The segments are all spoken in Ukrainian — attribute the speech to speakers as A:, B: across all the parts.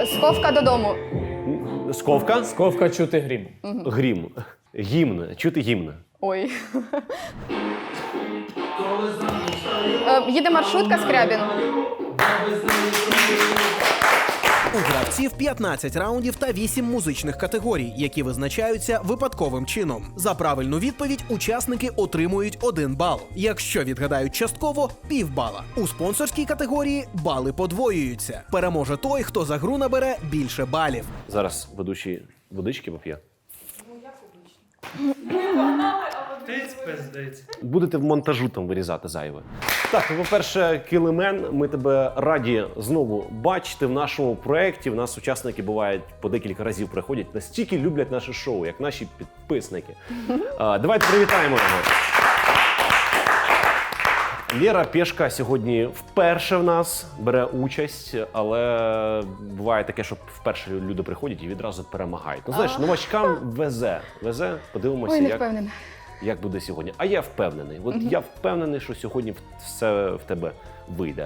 A: Сховка додому.
B: Сковка?
C: Сковка чути грім.
B: Грім. Гімн. Чути гімн.
A: Ой. Їде маршрутка, Скрябін.
D: У гравців 15 раундів та 8 музичних категорій, які визначаються випадковим чином. За правильну відповідь учасники отримують 1 бал. Якщо відгадають частково – півбала. У спонсорській категорії бали подвоюються. Переможе той, хто за гру набере більше балів.
B: Зараз ведучий водички поп'є. Будете в монтажу там вирізати зайве. Так, по-перше, Кілемен, ми тебе раді знову бачити в нашому проєкті. У нас учасники бувають по декілька разів приходять, настільки люблять наше шоу, як наші підписники. Давайте привітаємо його. Лєра Пєшка сьогодні вперше в нас бере участь, але буває таке, що вперше люди приходять і відразу перемагають. Ну, знаєш, новачкам везе. Подивимося,
A: Ой, не впевнена.
B: як буде сьогодні. А я впевнений. От я впевнений, що сьогодні все в тебе вийде.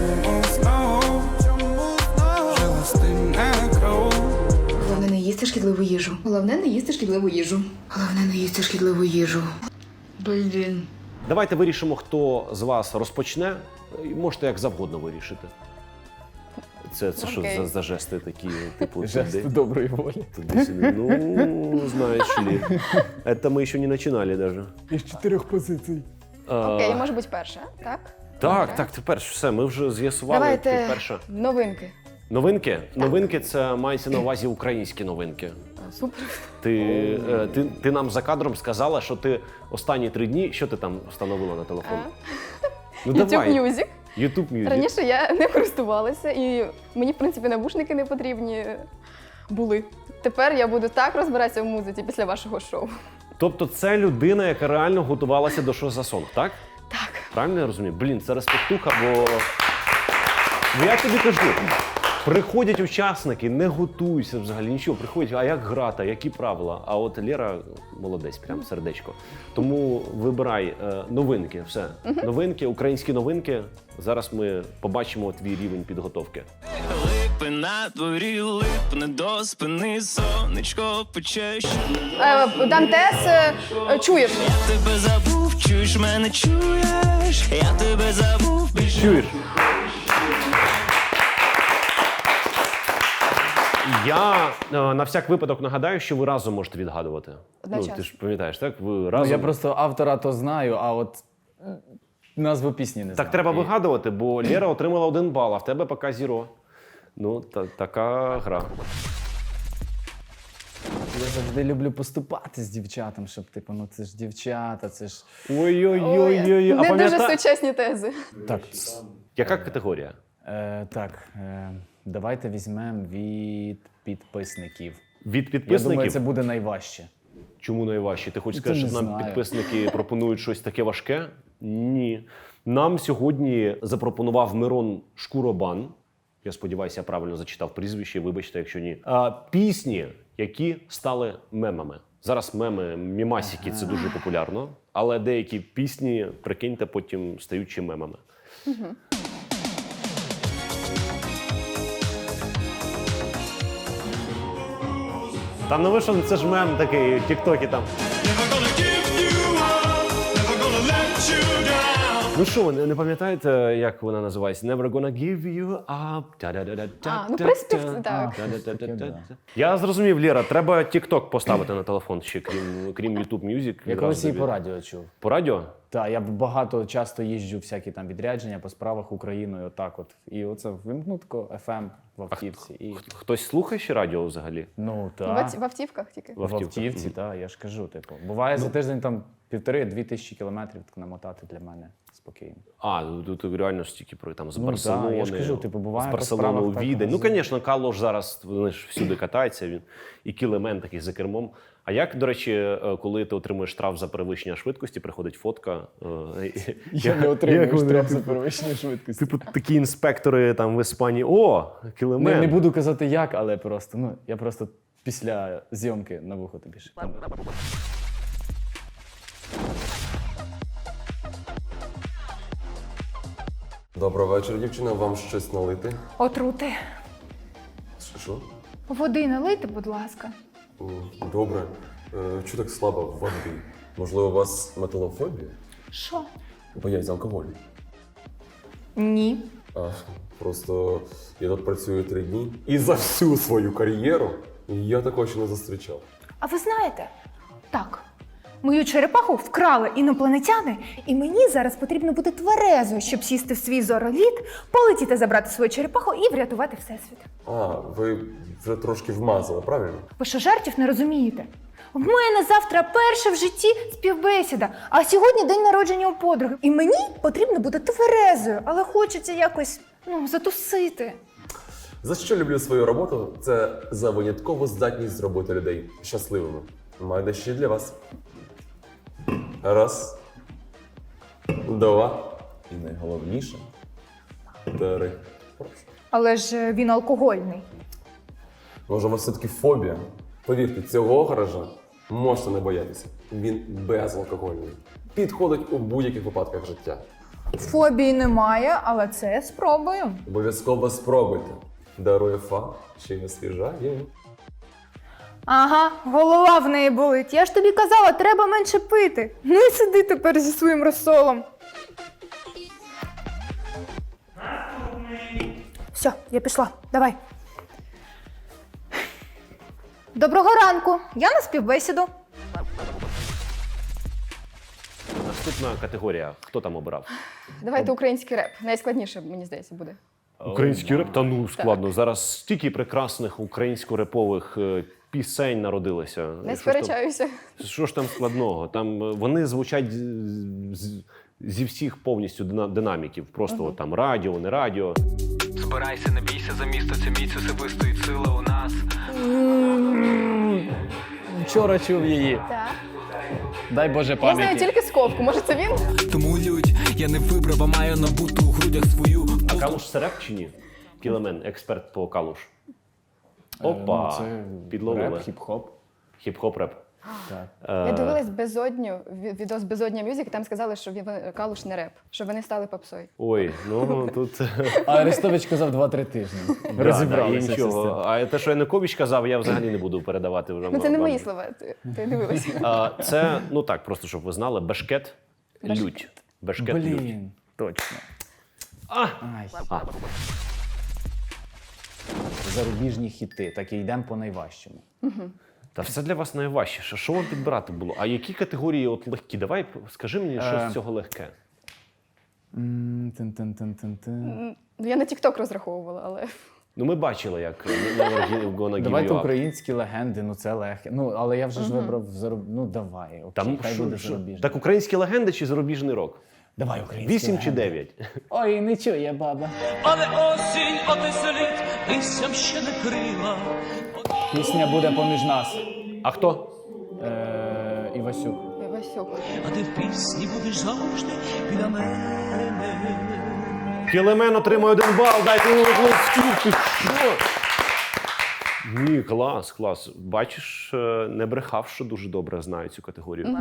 E: Головне не їсти шкідливу їжу. Головне не їсти шкідливу їжу. Головне не їсти шкідливу їжу. Блін.
B: Давайте вирішимо, хто з вас розпочне. І можете як завгодно вирішити. Це що
A: Окей.
B: за жести такі, типу,
C: Жест доброї волі.
B: туди-сюди? Ну, знаєш ли. Это мы еще не начинали даже.
C: Із 4 позицій.
A: Окей, може бути перша, так?
B: Так, тепер все, ми вже з'ясували. Ти
A: Давайте
B: перша.
A: новинки.
B: Новинки? Новинки – це мається на увазі українські новинки.
A: Супер.
B: Ти нам за кадром сказала, що ти останні 3 дні, що ти там встановила на телефон? Ну
A: YouTube
B: давай.
A: Music.
B: YouTube Music.
A: Раніше я не користувалася, і мені, в принципі, навушники не потрібні були. Тепер я буду так розбиратися в музиці після вашого шоу.
B: Тобто це людина, яка реально готувалася до «Що за сон», так?
A: Так.
B: Правильно я розумію? Блін, це респектуха, бо... Ну я тобі кажу, приходять учасники, не готуйся взагалі, нічого, приходять, а як грати, які правила? А от Лєра молодець, прям сердечко. Тому вибирай новинки, все. Новинки, українські новинки. Зараз ми побачимо твій рівень підготовки.
F: Липи на дворі, липне до спини, сонечко пече.
A: Дантес, чуєш?
F: Я тебе забув, чуєш мене, чуєш? Я тебе забув, більше.
B: Чуєш? Я на всяк випадок нагадаю, що ви разом можете відгадувати.
A: Одночасно.
B: Ти ж пам'ятаєш, так? Ви
C: Ну,
B: разом.
C: я просто автора то знаю, а от назву пісні не знаю.
B: Так треба
C: І
B: вигадувати, бо Лєра отримала 1 бал, а в тебе поки 0. Ну, така гра.
C: Я завжди люблю поступати з дівчатам, щоб, типу, ну це ж дівчата, це ж...
B: Ой-ой-ой-ой. А
A: Не дуже
B: пам'ятаєш?
A: сучасні тези.
C: Так,
B: Яка категорія?
C: давайте візьмемо від підписників.
B: Від
C: Я
B: підписників?
C: думаю, це буде найважче.
B: Чому найважче? Ти хочеш
C: Це
B: сказати,
C: не
B: що нам
C: знаю.
B: підписники пропонують щось таке важке? Ні. Нам сьогодні запропонував Мирон Шкуробан. Я сподіваюся, я правильно зачитав прізвище, вибачте, якщо ні. Пісні, які стали мемами. Зараз меми, мімасики – це дуже популярно, але деякі пісні, прикиньте, потім стають ще мемами. Та ну ви що, це ж мем такий, в тік-токі там. Ну що, ви не пам'ятаєте, як вона називається? Never gonna give you up.
A: Ну, приспів, так.
B: Я зрозумів, Лєра, треба TikTok поставити на телефон ще, крім YouTube Music.
C: Я колись її по радіо чув.
B: По радіо?
C: Так, я часто їжджу всякі там відрядження по справах Україною, отак от. І оце вимкну тако FM в автівці. І...
B: Хтось слухає ще радіо взагалі?
C: Ну, так.
A: В автівках тільки.
C: В автівці, так, я ж кажу, типу. Буває за тиждень там 1500-2000 тисячі кілометрів так намотати для мене спокійно.
B: Тут реально стільки про там з
C: Ну,
B: Барселони,
C: да, я ж кажу, типу, буває
B: з
C: по
B: Барселони у
C: справах так
B: Відень. Ну,
C: возить.
B: звісно, Калош зараз вони ж всюди катається, він і Кілемен такий за кермом. А як, до речі, коли ти отримуєш штраф за перевищення швидкості, приходить фотка.
C: Я не отримую штраф за перевищення швидкості.
B: Типу такі інспектори там в Іспанії. О, Кілемен.
C: Не буду казати як, але просто, ну, я просто після зйомки на вухо тобі шепну.
G: Доброго вечора, дівчина. Вам щось налити?
E: Отрути.
G: Що?
H: Води налийте, будь ласка.
G: Добре. Чого так слабо води? Можливо, у вас металофобія?
H: Що?
G: Боязнь алкоголю?
H: Ні.
G: Просто я тут працюю 3 дні. І за всю свою кар'єру я такого ще не зустрічав.
H: А ви знаєте? Так. Мою черепаху вкрали інопланетяни, і мені зараз потрібно бути тверезою, щоб сісти в свій зороліт, полетіти забрати свою черепаху і врятувати всесвіт.
G: Ви вже трошки вмазали, правильно?
H: Ви що, жартів не розумієте? В мене завтра перша в житті співбесіда, а сьогодні день народження у подруги. І мені потрібно бути тверезою, але хочеться якось, затусити.
G: За що люблю свою роботу? Це за виняткову здатність зробити людей щасливими. Маю дещо для вас. 1, 2 і найголовніше 3. Прошу.
H: Але ж він алкогольний.
G: Може, у вас все-таки фобія? Повірте, цього гаража можете не боятися. Він безалкогольний. Підходить у будь-яких випадках життя.
H: Фобії немає, але це спробую.
G: Обов'язково спробуйте. Дарує фа, ще й не освіжає.
H: Ага, голова в неї болить. Я ж тобі казала, треба менше пити. Ну і сиди тепер зі своїм розсолом. Все, я пішла. Давай. Доброго ранку. Я на співбесіду.
B: Наступна категорія. Хто там обрав?
A: Давайте український реп. Найскладніше, мені здається, буде.
B: Український реп? Та ну складно. Зараз стільки прекрасних українсько-репових пісень народилося.
A: Не
B: Що ж там-
A: сперечаюся.
B: Що ж там складного? Там вони звучать зі всіх повністю динаміків. Просто там радіо, не радіо.
I: Збирайся, не бійся за місто, це міць особистої сила у нас.
C: Вчора чув її.
A: Так.
C: Дай Боже
A: Я знаю
C: пам'яті.
A: тільки сковку. Може, це він?
F: Тому лють, я не вибрав, а маю набуту у грудях свою.
B: А Калуш це реп чи ні? Кілемен, експерт по Калуш. Опа,
C: Це
B: підловили.
C: реп, хіп-хоп.
B: Хіп-хоп реп.
C: Так.
A: Я дивилась «Безодню», відос «Безодня Мюзик», і там сказали, що Калуш не реп, що вони стали попсою.
B: Ой, ну тут...
C: А Арестович казав 2-3 тижні.
B: Да,
C: Розібралися.
B: да, і нічого. А те, що Янукович казав, я взагалі не буду передавати вже.
A: Ну це не
B: вам.
A: мої слова, ти дивилася.
B: Це, ну так, просто щоб ви знали, бешкет, лють. Бешкет, лють.
C: Блін, точно.
B: А!
C: Ай.
B: А.
C: Зарубіжні хіти, так і йдемо по найважчому.
B: Та все для вас найважче. Що вам підбирати було? А які категорії от легкі? Давай скажи мені, що з цього легке.
C: Тин-тин-тин-тин-тин.
A: Ну, я на TikTok розраховувала, але
B: Ну ми бачили, як Never Gonna Give
C: Давайте
B: You Up.
C: українські легенди, ну це легке. Ну, але я вже ж вибрав Ну давай, окей,
B: Там
C: хай буде
B: що?
C: зарубіжний.
B: Так українські легенди чи зарубіжний рок?
C: Давай українські
B: 8 чи
C: легенди.
B: 9?
C: Ой, не чує баба.
I: Але осінь отеселить, листям ще не крила.
C: Пісня буде поміж нас.
B: А хто?
C: Івасюк.
A: я Васюк.
I: А ти в пісні будеш завжди біля мене.
B: Кілемен отримує 1 бал, дайте йому оплесків, ти що? Ні, клас. Бачиш, не брехав, що дуже добре знаю цю категорію.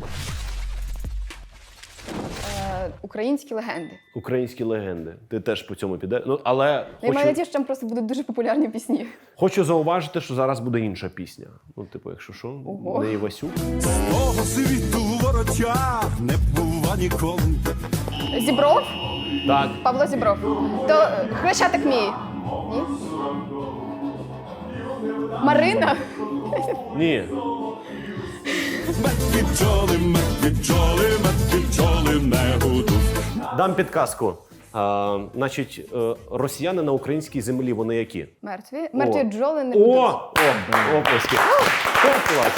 A: Українські легенди.
B: Українські легенди. Ти теж по цьому піде. Ну, але
A: Я маю
B: хочу,
A: надію, що там просто будуть дуже популярні пісні.
B: хочу зауважити, що зараз буде інша пісня. Ну, типу, якщо що,
A: Ого.
B: не Івасюк.
J: Того світу воротя не бува ніколи.
A: Зібров?
B: Так,
A: Павло Зібров. То Хрещатик мій. Ні? Марина?
B: ні.
J: Мертві бджоли не гудуть.
B: Дам підказку. Значить, росіяни на українській землі, вони які?
A: Мертві? Мертві бджоли не
B: О!
A: будуть.
B: Оплески. О, клас.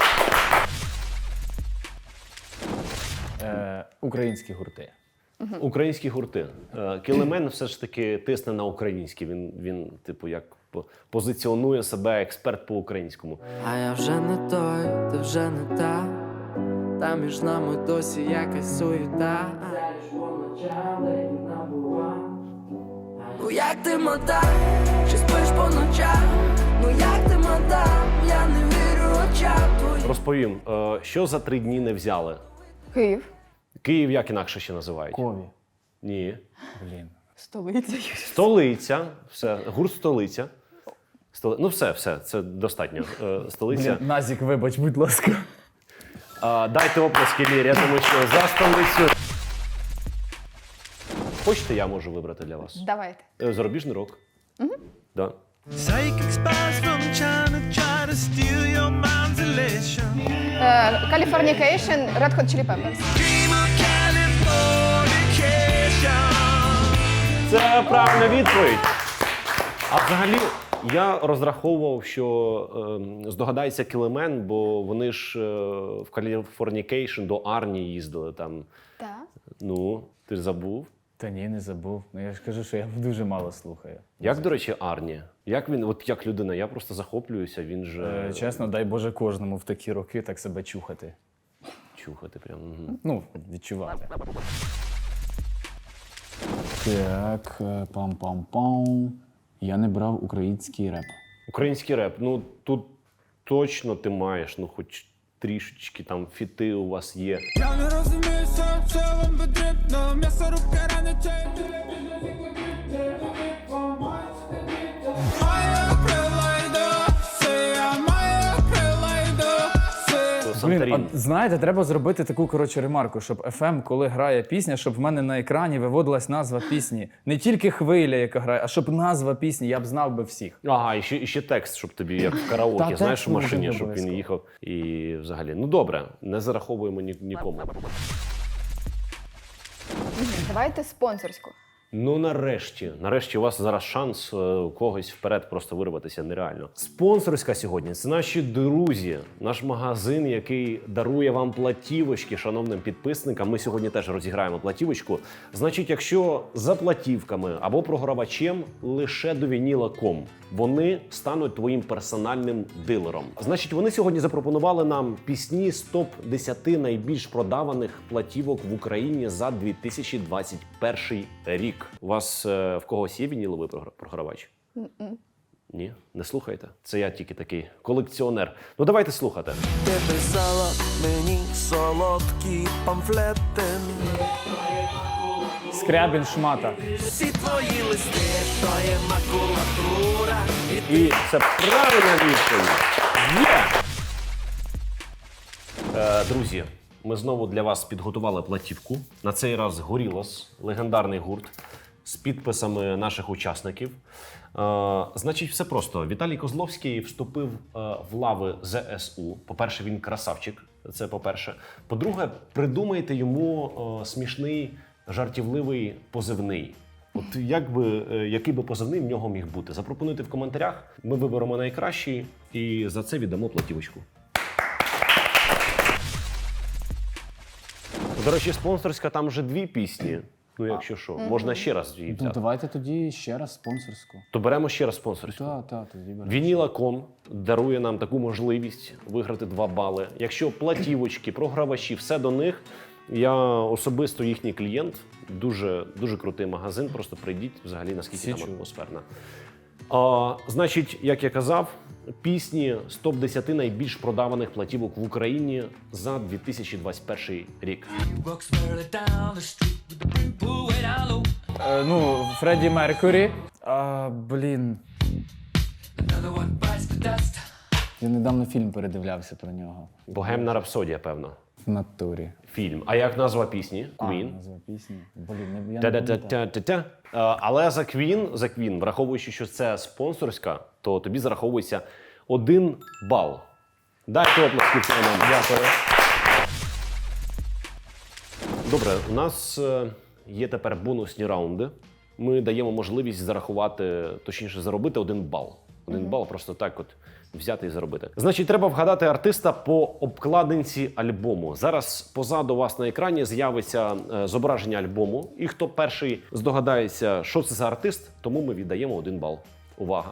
C: Українські гурти.
B: Українські гурти. Кілемен все ж таки тисне на українські. Він типу, як позиціонує себе експерт по українському.
K: А я вже не той, ти вже не та. Та між нами досі якась суєта. Ну як ти мадам, чи спиш по ночам? Ну як ти мадам, я не вірю очам твоїм.
B: Розповім, що за 3 дні не взяли?
A: Київ.
B: Київ як інакше ще називають?
C: Кові.
B: Ні.
C: Блін.
A: Столиця.
B: Столиця. Все, гурт столиця. Ну все, це достатньо. Столиця.
C: Блін, Назік, вибач, будь ласка.
B: Дайте оплески Лєрі, тому що за столицю. Хочете, я можу вибрати для вас?
A: Давайте.
B: Зарубіжний рок. Да.
A: Californication, Red Hot Chili Peppers.
B: Це правильна відповідь. А взагалі, я розраховував, що здогадається Кілемен, бо вони ж в Californication до Арні їздили там.
A: Так.
B: Ну, ти ж забув.
C: Та ні, не забув. Ну я ж кажу, що я дуже мало слухаю.
B: Як, до речі, Арні? Як він, от як людина, я просто захоплююся, він же...
C: Чесно, дай Боже кожному в такі роки так себе чухати.
B: Чухати прям.
C: Ну, відчувати. Так, пам-пам-пам. Я не брав український реп.
B: Український реп, ну тут точно ти маєш, ну хоч трішечки там фіти у вас є.
J: Я не розумію, що вам потрібно. М'ясо руки ранять.
C: Блін, от, знаєте, треба зробити таку, коротше, ремарку, щоб FM, коли грає пісня, щоб в мене на екрані виводилась назва пісні. Не тільки хвиля, яка грає, а щоб назва пісні, я б знав би всіх.
B: Ага, і ще текст, щоб тобі, як в караоке,
C: Та,
B: знаєш,
C: текст
B: в машині,
C: може
B: щоб він
C: обов'язково.
B: їхав. І взагалі, ну добре, не зараховуємо нікому.
A: Давайте спонсорську.
B: Ну нарешті у вас зараз шанс когось вперед просто вирватися нереально. Спонсорська сьогодні – це наші друзі, наш магазин, який дарує вам платівочки шановним підписникам. Ми сьогодні теж розіграємо платівочку. Значить, якщо за платівками або програвачем лише до Vinyl.com, вони стануть твоїм персональним дилером. Значить, вони сьогодні запропонували нам пісні з топ-10 найбільш продаваних платівок в Україні за 2021 рік. У вас в когось є вініловий програвач? Ні? Не слухаєте? Це я тільки такий колекціонер. Ну давайте слухати.
K: Ти писала мені солодкі памфлети.
C: Скрябін шмата.
K: Всі твої листи, то є макулатура.
B: І це правильна відповідь. Є! Друзі, ми знову для вас підготували платівку. На цей раз Горілос, легендарний гурт, з підписами наших учасників. Значить, все просто. Віталій Козловський вступив в лави ЗСУ. По-перше, він красавчик. Це по-перше. По-друге, придумайте йому смішний, жартівливий позивний. От який би позивний в нього міг бути? Запропонуйте в коментарях. Ми виберемо найкращий і за це віддамо платівочку. До речі, спонсорська там вже 2 пісні. Ну, якщо що, можна ще раз її взяти.
C: Ну, давайте тоді ще раз спонсорську.
B: То беремо ще раз спонсорську.
C: Так, тоді беремо.
B: Vinyl.com дарує нам таку можливість виграти 2 бали. Якщо платівочки, програвачі, все до них. Я особисто їхній клієнт. Дуже, дуже крутий магазин. Просто прийдіть взагалі, наскільки там атмосферна. Значить, як я казав, пісні з топ-10 найбільш продаваних платівок в Україні за 2021 рік.
C: Ну, Фредді Меркурі. Блін. Я недавно фільм передивлявся про нього.
B: Богемна рапсодія, певно.
C: В натурі.
B: Фільм. А як назва пісні? Queen.
C: Назва пісні. Блін, я не пам'ятаю.
B: Та-та-та-та-та. Але за Queen, враховуючи, що це спонсорська, то тобі зараховується 1 бал. Дайте оплески нам. Дякую. Добре, у нас є тепер бонусні раунди. Ми даємо можливість зарахувати, точніше заробити 1 бал. 1 бал просто так от взяти і заробити. Значить, треба вгадати артиста по обкладинці альбому. Зараз позаду вас на екрані з'явиться зображення альбому. І хто перший здогадається, що це за артист, тому ми віддаємо 1 бал. Увага!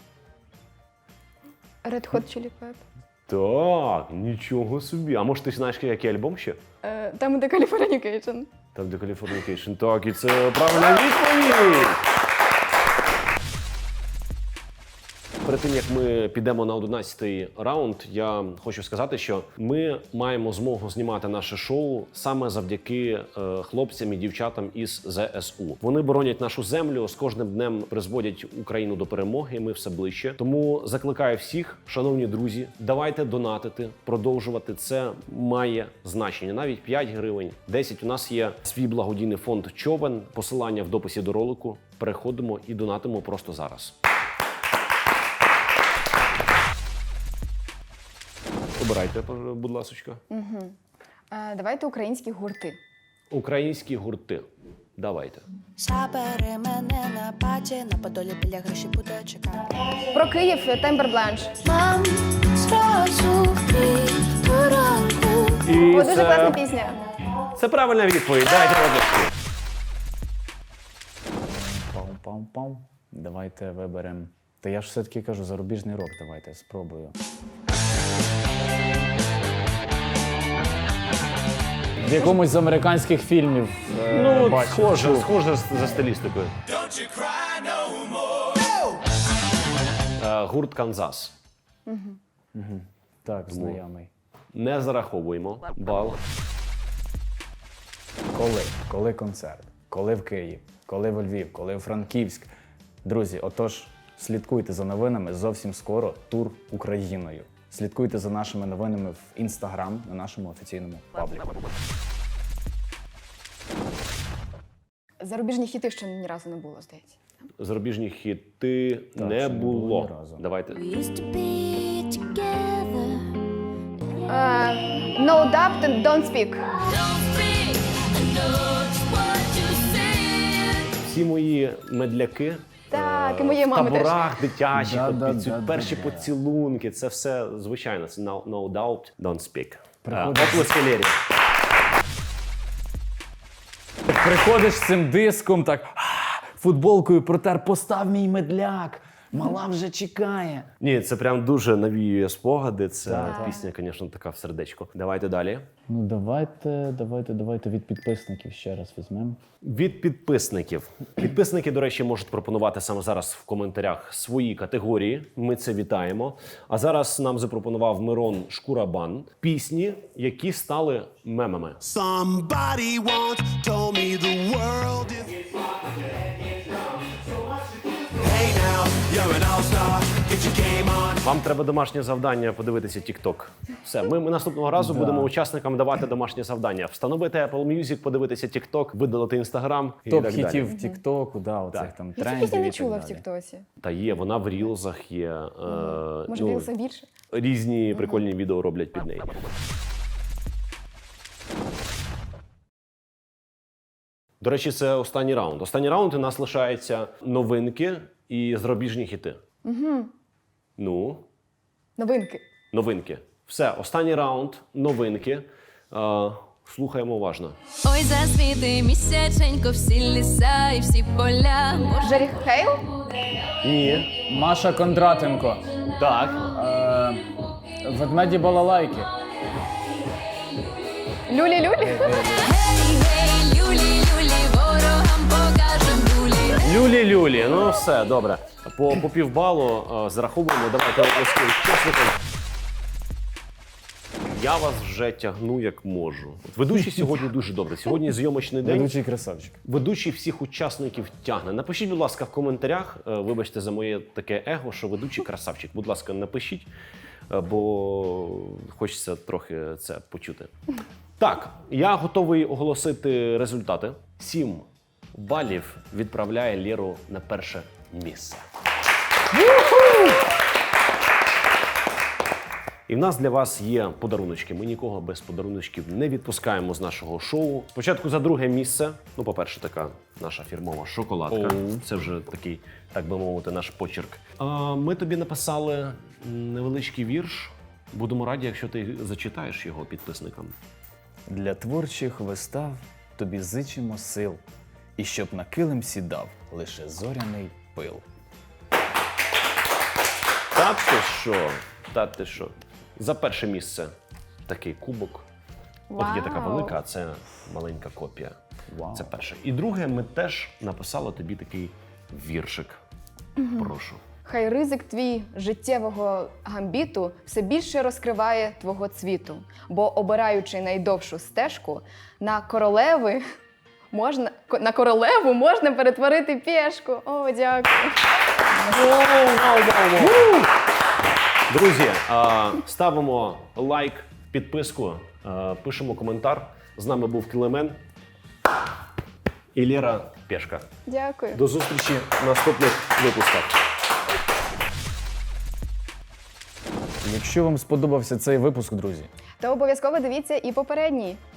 A: Red Hot Chili Peppers.
B: Так, нічого собі. А може ти знаєш, який альбом ще?
A: Там, де Californication.
B: Там, де Californication. Так, і це правильна відповідь! перед тим, як ми підемо на 11-й раунд, я хочу сказати, що ми маємо змогу знімати наше шоу саме завдяки хлопцям і дівчатам із ЗСУ. Вони боронять нашу землю, з кожним днем призводять Україну до перемоги, ми все ближче. Тому закликаю всіх, шановні друзі, давайте донатити, продовжувати. Це має значення. Навіть 5 гривень, 10. У нас є свій благодійний фонд «Човен». Посилання в дописі до ролику. Переходимо і донатимо просто зараз. Обирайте, будь ласочка.
A: Давайте українські гурти.
B: Українські гурти. Давайте.
K: Забери мене на паті, на Подолі біля гроші буде чекати.
A: Про Київ Тембер Бланш.
K: Мам, зразу до ранку.
B: І
A: О, дуже класна пісня.
B: Це правильна відповідь. Дайте обласки.
C: Пам-пам-пам. Давайте виберемо. Та я ж все-таки кажу, зарубіжний рок давайте, спробую. В якомусь з американських фільмів бачив.
B: Схоже за стилістикою. Гурт «Канзас».
C: Так, знайомий.
B: Не зараховуємо бал.
C: Коли концерт? Коли в Київ? Коли в Львів? Коли в Франківськ? Друзі, отож, слідкуйте за новинами. Зовсім скоро тур Україною. Слідкуйте за нашими новинами в Instagram на нашому офіційному пабліку.
A: Зарубіжні хіти ще ні разу не було, здається.
B: Зарубіжні хіти
C: Так,
B: не
C: ще не було
B: було.
C: ні разу.
B: Давайте.
A: No Doubt and Don't Speak.
B: Всі мої медляки
A: Так, і моєї
B: в
A: мами теж.
B: таборах дитячих,
C: Да-да-да-да-да.
B: перші поцілунки, це все звичайно. Це No Doubt, Don't Speak.
C: Приходить-
B: Оплески Лері.
C: Приходиш з цим диском, так футболкою протер, постав мій медляк. Мала вже чекає.
B: Ні, це прям дуже навіює спогади. Це
C: Так.
B: пісня, звісно, така в сердечко. Давайте далі.
C: Ну давайте від підписників ще раз візьмемо.
B: Від підписників. Підписники, до речі, можуть пропонувати саме зараз в коментарях свої категорії. Ми це вітаємо. А зараз нам запропонував Мирон Шкурабан пісні, які стали мемами.
J: Somebody once told me the world is. Hey now, you're an all-star, get your game on.
B: Вам треба домашнє завдання подивитися TikTok. Все, ми наступного разу будемо учасникам давати домашнє завдання. Встановити Apple Music, подивитися TikTok, видалити Instagram і так далі.
C: Топ-хітів в Тіктоку, оцих
B: Так.
C: там
A: Я цю
C: трендів
A: пісню
C: і
A: не
C: так
A: чула в
C: далі.
A: Тіктоці.
B: Та є, вона в рілзах є.
A: Може, в Рілсах більше?
B: Різні прикольні відео роблять під неї. До речі, це останній раунд. Останній раунд у нас лишаються новинки і зарубіжні хіти. Ну,
A: Новинки.
B: новинки. Все, останній раунд, новинки. Слухаємо уважно.
K: Ой, засвіти місяченько, всі ліса і всі поля.
A: Джері Хейл?
B: Ні.
C: Маша Кондратенко.
B: Так.
C: Ведмеді балалайки.
A: Люлі-люлі?
K: Гей, люлі, люлі, ворогам покажем люлі.
B: Люлі-люлі. Ну все, добре. По півбалу зараховуємо. Давайте оплески учасникам. Я вас вже тягну як можу. От ведучий сьогодні дуже добре. Сьогодні зйомочний день.
C: Ведучий красавчик.
B: Ведучий всіх учасників тягне. Напишіть, будь ласка, в коментарях. Вибачте за моє таке его, що ведучий красавчик. Будь ласка, напишіть, бо хочеться трохи це почути. Так, я готовий оголосити результати. 7 балів відправляє Лєру на перше місце. І в нас для вас є подаруночки. Ми нікого без подаруночків не відпускаємо з нашого шоу. Спочатку за друге місце. Ну, по-перше, така наша фірмова шоколадка. Це вже такий, так би мовити, наш почерк. Ми тобі написали невеличкий вірш. Будемо раді, якщо ти зачитаєш його підписникам.
C: Для творчих вистав тобі зичимо сил, і щоб на килим сідав лише зоряний пил.
B: Та ти що? Та ти що? За перше місце такий кубок. От є така
A: Вау.
B: велика, а це маленька копія.
C: Вау.
B: Це перше. І друге, ми теж написали тобі такий віршик. Прошу.
A: Хай ризик твій життєвого гамбіту все більше розкриває твого цвіту, бо обираючи найдовшу стежку, на королеву можна перетворити пішку. О, дякую.
B: Друзі, ставимо лайк, підписку, пишемо коментар. З нами був Кілемен і Лера Пешка.
A: Дякую.
B: До зустрічі в наступних випусках.
C: Якщо вам сподобався цей випуск, друзі,
A: Та обов'язково дивіться і попередній.